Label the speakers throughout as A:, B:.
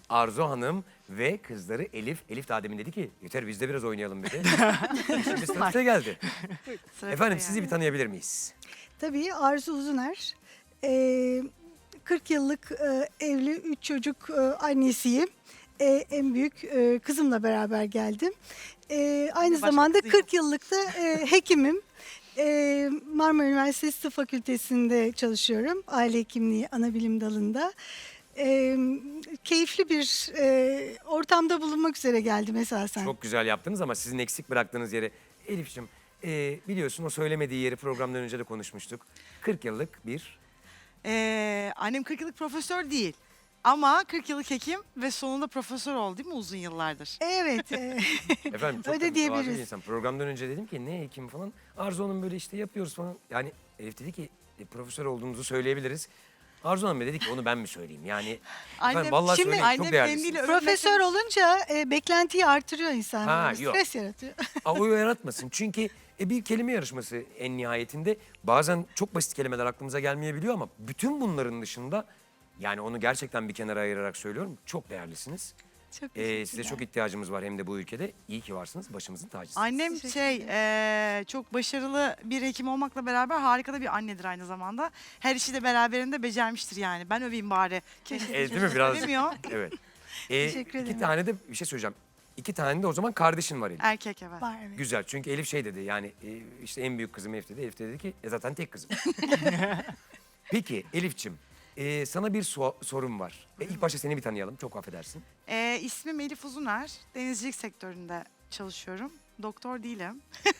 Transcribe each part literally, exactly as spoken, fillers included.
A: Arzu Hanım ve kızları Elif. Elif daha demin dedi ki yeter biz de biraz oynayalım dedi. Şimdi sıra size geldi.
B: Sıra
A: Efendim
B: bize
A: sizi bir
B: yani.
A: tanıyabilir miyiz?
C: Tabii Arzu Uzuner. Ee, kırk yıllık e, evli, üç çocuk e, annesiyim. E, en büyük e, kızımla beraber geldim. E, aynı
B: Başka
C: zamanda
B: kızıyla.
C: kırk yıllık da e, hekimim. E, Marmara Üniversitesi Tıp Fakültesi'nde çalışıyorum. Aile hekimliği ana bilim dalında. E, keyifli bir e, ortamda bulunmak üzere geldim esasen.
A: Çok güzel yaptınız ama sizin eksik bıraktığınız yeri. Elif'ciğim e, biliyorsun o söylemediği yeri programdan önce de konuşmuştuk. kırk yıllık bir...
B: Ee, annem kırk yıllık profesör değil. Ama kırk yıllık hekim ve sonunda profesör oldu değil mi uzun yıllardır?
C: Evet. e,
A: Efendim çok
C: Öyle
A: da mütevazı
C: diyebiliriz.
A: bir insan. Programdan önce dedim ki ne hekim falan. Arzu Hanım böyle işte yapıyoruz falan. Yani Elif dedi ki e, profesör olduğumuzu söyleyebiliriz. Arzu Hanım da dedi ki onu ben mi söyleyeyim? Yani efendim, vallahi
B: şimdi
A: söyleyeyim, çok
B: annem
A: değerlisiniz.
B: kendiyle övünmek-
C: Profesör olunca e, beklentiyi artırıyor insan.
A: Ha,
C: Böyle
A: yok.
C: Stres yaratıyor.
A: Aa, o yaratmasın. Çünkü e, bir kelime yarışması en nihayetinde. Bazen çok basit kelimeler aklımıza gelmeyebiliyor ama bütün bunların dışında yani onu gerçekten bir kenara ayırarak söylüyorum. Çok değerlisiniz.
C: Çok
A: Ee,
C: teşekkürler.
A: size çok ihtiyacımız var hem de bu ülkede. İyi ki varsınız. Başımızın tacısınız.
B: Annem
C: Teşekkür
B: şey
C: ederim.
B: eee, çok başarılı bir hekim olmakla beraber harika da bir annedir aynı zamanda. Her işi de beraberinde becermiştir yani. Ben öveyim bari. Keşke
A: Evet, değil mi? Biraz.
B: Övemiyor.
A: Evet. Ee,
C: Teşekkür
A: iki
C: ederim.
A: tane de bir şey söyleyeceğim. İki tane de o zaman kardeşin var Elif.
B: Erkek evet.
C: Var, evet.
A: Güzel. Çünkü Elif şey dedi yani e, işte en büyük kızım Elif dedi. Elif de dedi ki e, zaten tek kızım. Peki Elif'ciğim e, sana bir so- sorum var. E, ilk başta seni bir tanıyalım. Çok affedersin.
B: Ee, ismim Elif Uzuner. Denizcilik sektöründe çalışıyorum. Doktor değilim.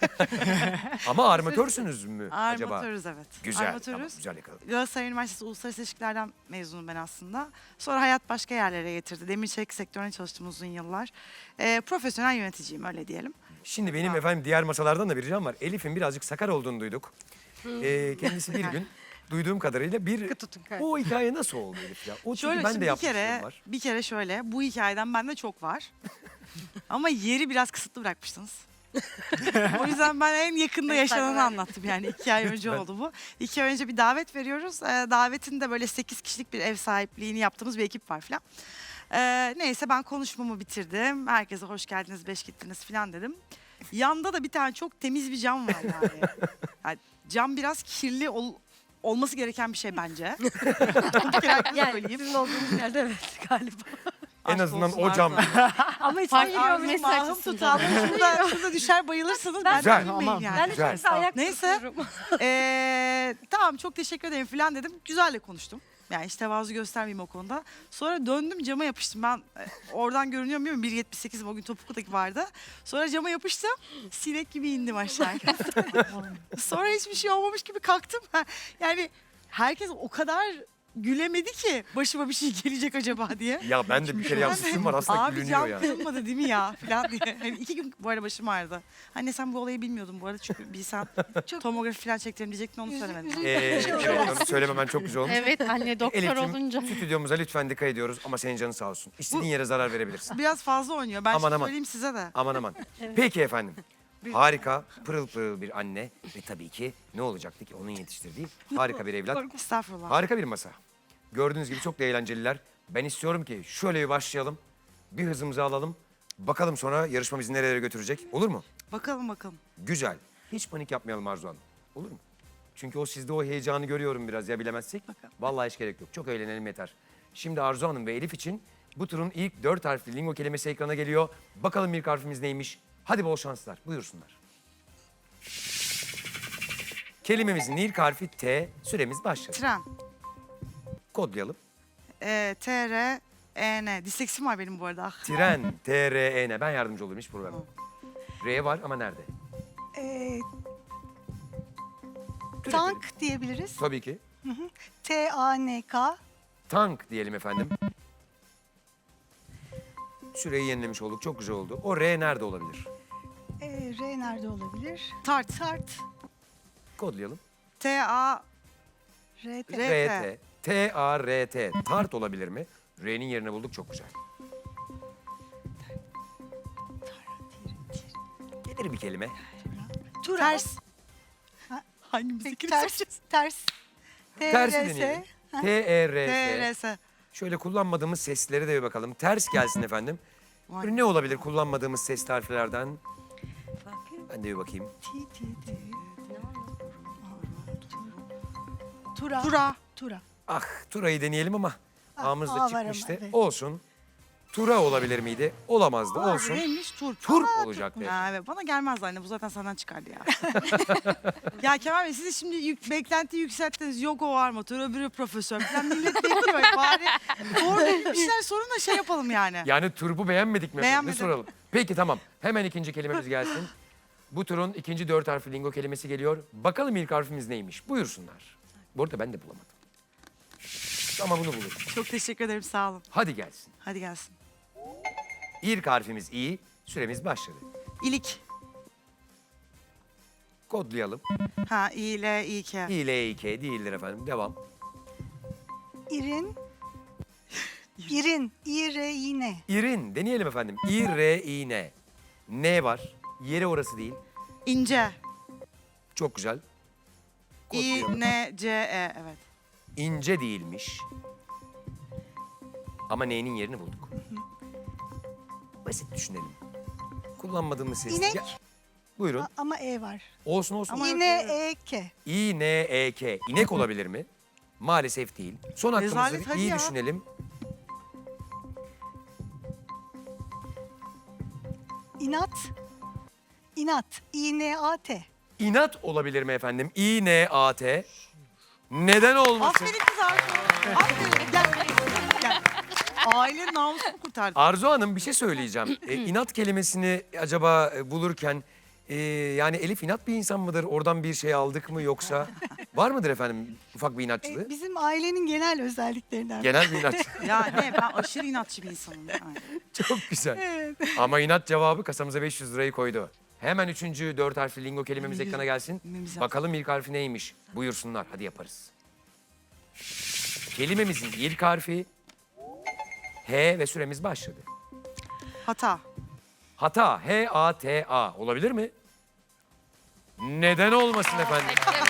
A: Ama armatörsünüz mü acaba?
B: Armatörüz evet.
A: Güzel.
B: Armatörüz.
A: Tamam, güzel yakaladım.
B: Galatasaray Üniversitesi Uluslararası İlişkilerden mezunum ben aslında. Sonra hayat başka yerlere getirdi. Demir çelik sektörüne çalıştım uzun yıllar. Ee, profesyonel yöneticiyim öyle diyelim.
A: Şimdi benim
B: Sağ ol.
A: efendim diğer masalardan da bir ricam var. Elif'in birazcık sakar olduğunu duyduk. Ee, kendisi bir gün duyduğum kadarıyla bir...
D: tutun
A: O hikaye nasıl oldu Elif ya? O çünkü
B: Şöyle
A: ben
B: şimdi
A: de
B: bir
A: yapmışlığım
B: kere,
A: var.
B: bir kere şöyle bu hikayeden bende çok var. Ama yeri biraz kısıtlı bırakmıştınız. O yüzden ben en yakında yaşananı anlattım yani iki ay önce
A: Ben-
B: oldu bu. İki ay önce bir davet veriyoruz. Ee, davetin de böyle sekiz kişilik bir ev sahipliğini yaptığımız bir ekip var falan. Ee, neyse ben konuşmamı bitirdim. Herkese hoş geldiniz, beş gittiniz falan dedim. Yanda da bir tane çok temiz bir cam var yani. Yani cam biraz kirli ol- olması gereken bir şey bence. Bir kere herkese
D: Yani
B: söyleyeyim.
D: sizin olduğunuz yerde evet galiba.
A: En
B: Aşk
A: azından
B: olsun
A: o cam.
B: Arzu.
D: Ama hiç
B: Bak
D: geliyor
B: ağzım
D: mesaj
B: ahım
D: açısından.
B: tutalım. Şurada, şurada düşer bayılırsınız. Ben,
A: Güzel.
B: de bilmeyeyim
D: Tamam.
B: yani.
D: Ben de
A: Güzel.
D: çok güzel ayak
B: Neyse.
D: tutuyorum.
B: Ee, tamam çok teşekkür ederim falan dedim. Güzelle konuştum. Yani hiç tevazu göstermeyeyim o konuda. Sonra döndüm cama yapıştım. Ben e, oradan görünüyor muyum? bir yetmiş sekizim o gün Topuklu'daki vardı. Sonra cama yapıştım. Sinek gibi indim aşağıya. Sonra hiçbir şey olmamış gibi kalktım. Ha, Yani herkes o kadar gülemedi ki başıma bir şey gelecek acaba diye.
A: Ya ben de bir kere yapmışlığım var aslında
B: Abi
A: gülünüyor
B: cam
A: yani.
B: kırılmadı değil mi ya falan diye. Hani iki gün bu arada başım ağrıdı. Anne sen bu olayı bilmiyordun bu arada çünkü bilsen
C: Çok-
B: tomografi falan çektirim diyecektin onu söylemedin.
C: Üzü-
A: Ee, evet onu söylememen çok güzel olmuş.
D: Evet anne doktor
A: Elif'ciğim
D: olunca.
A: stüdyomuza lütfen dikkat ediyoruz ama senin canın sağ olsun. İstediğin yere zarar verebilirsin.
B: Biraz fazla oynuyor. Ben
A: Aman,
B: şimdi
A: aman.
B: söyleyeyim size de.
A: Aman aman. Peki efendim. Harika, pırıl pırıl bir anne ve tabii ki ne olacaktı ki onun yetiştirdiği harika bir evlat.
B: Estağfurullah.
A: Harika bir masa. Gördüğünüz gibi çok da eğlenceliler. Ben istiyorum ki şöyle bir başlayalım. Bir hızımızı alalım. Bakalım sonra yarışma bizi nerelere götürecek. Olur mu?
B: Bakalım bakalım.
A: Güzel. Hiç panik yapmayalım Arzu Hanım. Olur mu? Çünkü o sizde o heyecanı görüyorum biraz ya bilemezsek.
B: Bakalım.
A: Vallahi hiç gerek yok. Çok eğlenelim yeter. Şimdi Arzu Hanım ve Elif için bu turun ilk dört harfli lingo kelimesi ekrana geliyor. Bakalım ilk harfimiz neymiş? Hadi bol şanslar. Buyursunlar. Kelimemizin ilk harfi T. Süremiz başladı.
B: Tren.
A: Kodlayalım.
B: Ee, T R E N. Disleksim var benim bu arada. Ah.
A: Tren, T R E N. Ben yardımcı olurum hiç problem yok. R var ama nerede?
C: Ee,
A: Türetelim.
C: tank diyebiliriz.
A: Tabii ki.
C: T A N K.
A: Tank diyelim efendim. Süreyi yenilemiş olduk. Çok güzel oldu. O R nerede olabilir?
C: Ee, R nerede olabilir?
B: Tart.
C: Tart.
A: Kodlayalım.
B: T A
C: R T.
B: R-
A: R T. T A R T. Tart olabilir mi? R'nin yerine bulduk. Çok güzel. Gelir bir kelime.
C: Tura.
B: Ters.
C: Ha,
B: Hangimizi
C: Peki,
B: kim
C: ters.
B: seçeceğiz?
C: Ters. T
A: Tersi
C: R S.
A: deneyelim. T E R
B: T
A: S.
B: R S.
A: Şöyle kullanmadığımız seslere de bir bakalım. Ters gelsin efendim. Böyle ne olabilir kullanmadığımız ses harflerden? Ben de bir bakayım.
C: Ti, ti, ti. Tura.
B: Tura.
C: Tura.
A: Ah Tura'yı deneyelim ama
C: Ah,
A: ağımızda
C: A var ama,
A: çıkmıştı.
C: evet.
A: Olsun. Tura olabilir miydi? Olamazdı.
B: Aa,
A: Olsun.
B: Neymiş? Turp.
A: Turp
B: Aa,
A: olacaktı.
B: Ya evet, bana gelmez anne, bu zaten senden çıkardı ya. Ya Kemal Bey, siz de şimdi yük, beklenti yükselttiniz. Yok o var mı? Tura bir profesör falan, millet bekliyor. Bari doğru bir şeyler sorun da şey yapalım yani.
A: Yani turbu beğenmedik mi? efendim? Ne
B: Beğenmedim.
A: soralım? Peki tamam. Hemen ikinci kelimemiz gelsin. Bu turun ikinci dört harfli lingo kelimesi geliyor. Bakalım ilk harfimiz neymiş? Buyursunlar. Bu arada ben de bulamadım. Ama bunu bulurum.
B: Çok teşekkür ederim, sağ olun.
A: Hadi gelsin.
B: Hadi gelsin.
A: İlk harfimiz İ. Süremiz başladı.
B: İlik.
A: Kodlayalım.
B: Ha, İ, L, İ, K.
A: İ, L, İ, K değildir efendim. Devam.
C: İrin. İrin. İre yine.
A: İrin. Deneyelim efendim. İ, R, İ, N. N var. Yeri orası değil.
B: İnce.
A: Çok güzel.
B: İ,
A: Kodlayalım.
B: N, C, E. Evet.
A: İnce değilmiş. Ama N'nin yerini bulduk. Basit düşünelim. Kullanmadığımız ses.
C: İnek.
A: Ya- Buyurun.
C: A- ama E var.
A: Olsun olsun.
B: Ama-
C: Yine E K.
A: İ, N, E, K. İnek olabilir mi? Maalesef değil. Son
B: Rezalet,
A: hakkımızı
B: hadi
A: iyi
B: ya.
A: düşünelim.
C: İnat. İnat. İ N A T.
A: İnat olabilir mi efendim? İ, N, A, T. Neden olmasın?
B: Aferin kız Arzu. Aferin. Gel. Gel. Ailenin namusunu kurtardın.
A: Arzu Hanım bir şey söyleyeceğim. E, inat kelimesini acaba e, bulurken e, yani Elif inat bir insan mıdır? Oradan bir şey aldık mı yoksa? Var mıdır efendim ufak bir inatçılığı?
C: E, bizim ailenin genel özelliklerinden.
A: Genel bir inatçı.
B: Ya ne, ben aşırı inatçı bir insanım. Yani.
A: Çok güzel.
C: Evet.
A: Ama inat cevabı kasamıza beş yüz lirayı koydu. Hemen üçüncü dört harfli lingo kelimemiz
B: Yüz-
A: ekrana gelsin.
B: Kelimemiz
A: Bakalım ilk harfi neymiş? Buyursunlar hadi yaparız. Kelimemizin ilk harfi H ve süremiz başladı.
B: Hata.
A: Hata, H A T A olabilir mi? Neden olmasın efendim?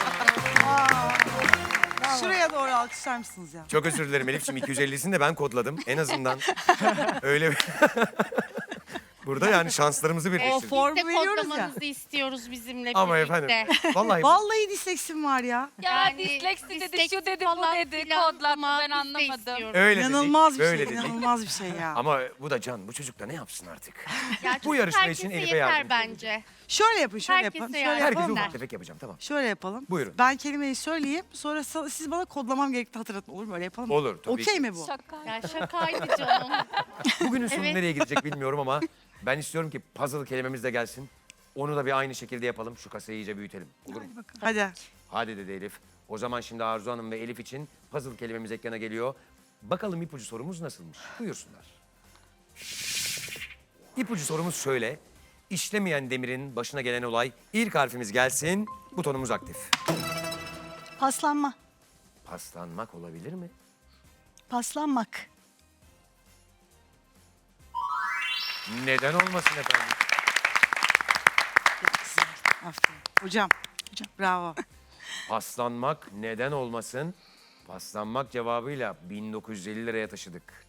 B: Şuraya doğru alkışlar mısınız ya?
A: Çok özür dilerim Elif'ciğim iki yüz ellisini de ben kodladım. En azından öyle bir... Burada yani şanslarımızı
B: O
A: birleştirdik.
B: formu
D: Biz de
B: veriyoruz ya.
D: kodlamanızı istiyoruz bizimle
A: Ama
D: birlikte.
A: efendim vallahi
B: Vallahi disleksim var ya.
E: Ya
D: Yani
E: disleksi dedi,
D: disleksi
E: şu dedi, bu
D: falan
E: dedi,
D: filan
E: kodlattı
D: ama
E: ben
D: biz de
E: anlamadım.
D: istiyoruz.
A: öyle dedik.
B: İnanılmaz bir
A: böyle
B: şey,
A: dedik.
B: inanılmaz bir şey ya.
A: Ama bu da can, bu çocuk da ne yapsın artık?
D: Ya
A: Bu yarışma için
D: herkese
A: Elif'e
D: yeter
A: yardımcı
D: bence.
B: Şöyle yapın, şöyle
D: Herkese
B: yapın.
D: yardım
B: Şöyle
A: Herkese
B: yapalım.
A: ufak tefek yapacağım tamam.
B: Şöyle yapalım.
A: Buyurun.
B: Ben kelimeyi söyleyeyim, sonra sa- siz bana kodlamam gerektiğini hatırlatın. Olur mu? Öyle yapalım mı?
A: Olur, tabii
B: Okey
A: ki.
B: mi bu?
E: Şaka.
D: Ya şakaydı canım.
A: Bugünün sonu
D: Evet.
A: nereye gidecek bilmiyorum ama ben istiyorum ki puzzle kelimemiz de gelsin. Onu da bir aynı şekilde yapalım. Şu kasayı iyice büyütelim. Olur mu?
B: Hadi.
A: Hadi dedi Elif. O zaman şimdi Arzu Hanım ve Elif için puzzle kelimemiz ekrana geliyor. Bakalım ipucu sorumuz nasılmış? Buyursunlar. İpucu sorumuz şöyle. İşlemeyen demirin başına gelen olay. İlk harfimiz gelsin. Butonumuz aktif.
C: Paslanma.
A: Paslanmak olabilir mi?
C: Paslanmak.
A: Neden olmasın efendim?
B: Aferin. Hocam. Hocam. Bravo.
A: Paslanmak neden olmasın? Paslanmak cevabıyla bin dokuz yüz elli liraya taşıdık.